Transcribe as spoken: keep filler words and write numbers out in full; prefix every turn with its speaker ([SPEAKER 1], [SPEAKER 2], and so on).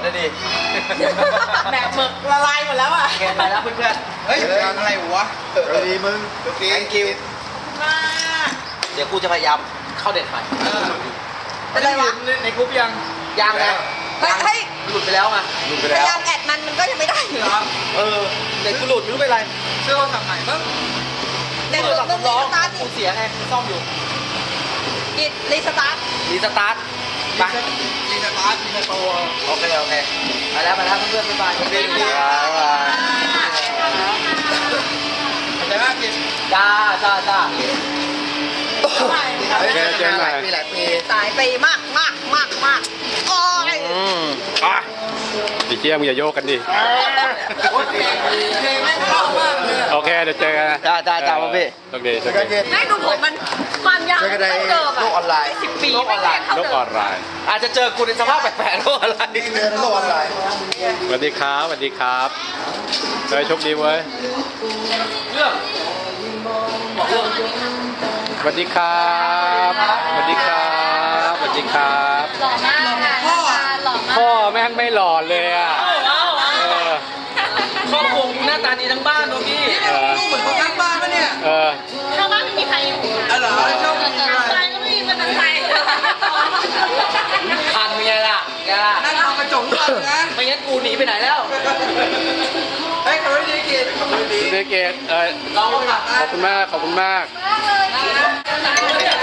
[SPEAKER 1] นะดิ
[SPEAKER 2] แบกหมึกละลายหมดแล้วอ่ะ
[SPEAKER 1] เกินไปแล้วเพื่อนๆเฮ้ยอะไรวะดีมึงดี thank you
[SPEAKER 2] มาก
[SPEAKER 1] เดี๋ยวกูจะพยายามเข้าเด็ดใหม่
[SPEAKER 2] อะไรวะ
[SPEAKER 1] ในกรุ๊ปยังยังไง
[SPEAKER 2] เฮ้ยเฮ้ย
[SPEAKER 1] หลุดไปแล้วอ่ะหลุดไป
[SPEAKER 2] พ
[SPEAKER 1] แล้ว
[SPEAKER 2] ยายามแอดมันมันก็ยังไม่ได้อยู่เหรอ
[SPEAKER 1] เออเด็กกูหลุดไม่รู้เป็นไร
[SPEAKER 3] เสื้อเขาทำไหนบ้าง
[SPEAKER 2] เด็กหลุดต้องรีสตาร์ท
[SPEAKER 1] กูเสียไงซ่อมอยู่
[SPEAKER 2] กิดรีสตาร์ท
[SPEAKER 1] รีสตาร์ทไป
[SPEAKER 3] มีสตาร์ทมีสโตร์
[SPEAKER 1] โอเคโอเคไปแล้วไปแล้วเพื่อนๆบ๊ายบายบ๊ายบาย
[SPEAKER 3] แต่ว่ากิน
[SPEAKER 1] จ้าจ้าจ้า
[SPEAKER 4] เจอเจอหน่อย
[SPEAKER 1] ปีหลายปี
[SPEAKER 2] สายไปมากมากมากมากโอ้ย
[SPEAKER 4] อืมอ่ะไอ้เจี๊ยมึงอย่าโยกกันดิ
[SPEAKER 3] เพลงไม่เข้ามากเลย
[SPEAKER 4] โอเคเดี๋ยวเจอกันนะ
[SPEAKER 1] จ้าจ้าจ้าพี่
[SPEAKER 4] โอเคโอเค
[SPEAKER 2] ให้ดูผมมันความยาวเท่าเดิม
[SPEAKER 1] โล
[SPEAKER 2] อ่ะ
[SPEAKER 1] กออนไลน์
[SPEAKER 2] สิบปี
[SPEAKER 1] โลกออนไลน์
[SPEAKER 2] เท่า
[SPEAKER 4] โลก
[SPEAKER 2] เดิ
[SPEAKER 4] ออ
[SPEAKER 2] ม
[SPEAKER 4] นไลน์
[SPEAKER 1] อาจจะเจอกูในสภาพแปลกๆโลกออนไลน์เรียนโลกออนไลน์
[SPEAKER 4] สวัสดีครับสวัสดีครับเฮ้ยโชคดีเว้ย
[SPEAKER 1] เรื่องบอกเรื่อง
[SPEAKER 4] สวัสดีครับสวัสดีครับสวัสดีครับ
[SPEAKER 5] หล่อมากค่ะพ่อหล่อมาก
[SPEAKER 4] พ่อแม่งไม่หล่อเลยอ่ะ
[SPEAKER 1] เอาเอาเอา
[SPEAKER 4] เออ
[SPEAKER 1] ครอบครัวกูหน้าตาดีทั้งบ้านตัวพี่
[SPEAKER 4] เออ
[SPEAKER 3] เหมือนคนข้างบ้านปะเนี่ย
[SPEAKER 4] เออ
[SPEAKER 5] ข้างบ้านไม่มีใครอยู่
[SPEAKER 3] อ๋อเหรอชอบ
[SPEAKER 5] แต่ใครก็ไม่มีมันใคร
[SPEAKER 1] ทันไงล่ะไงล่ะ
[SPEAKER 3] นั่งทำกระจกก่อนนะ
[SPEAKER 1] ไม่งั้นกูหนีไปไหนแล้ว
[SPEAKER 3] เฮ้ยเขาไม่ได้กินเขาไม่ได้
[SPEAKER 4] เดเกตเออ
[SPEAKER 1] เราอะ
[SPEAKER 4] ขอบคุณมากขอบคุณมาก
[SPEAKER 5] มากเลย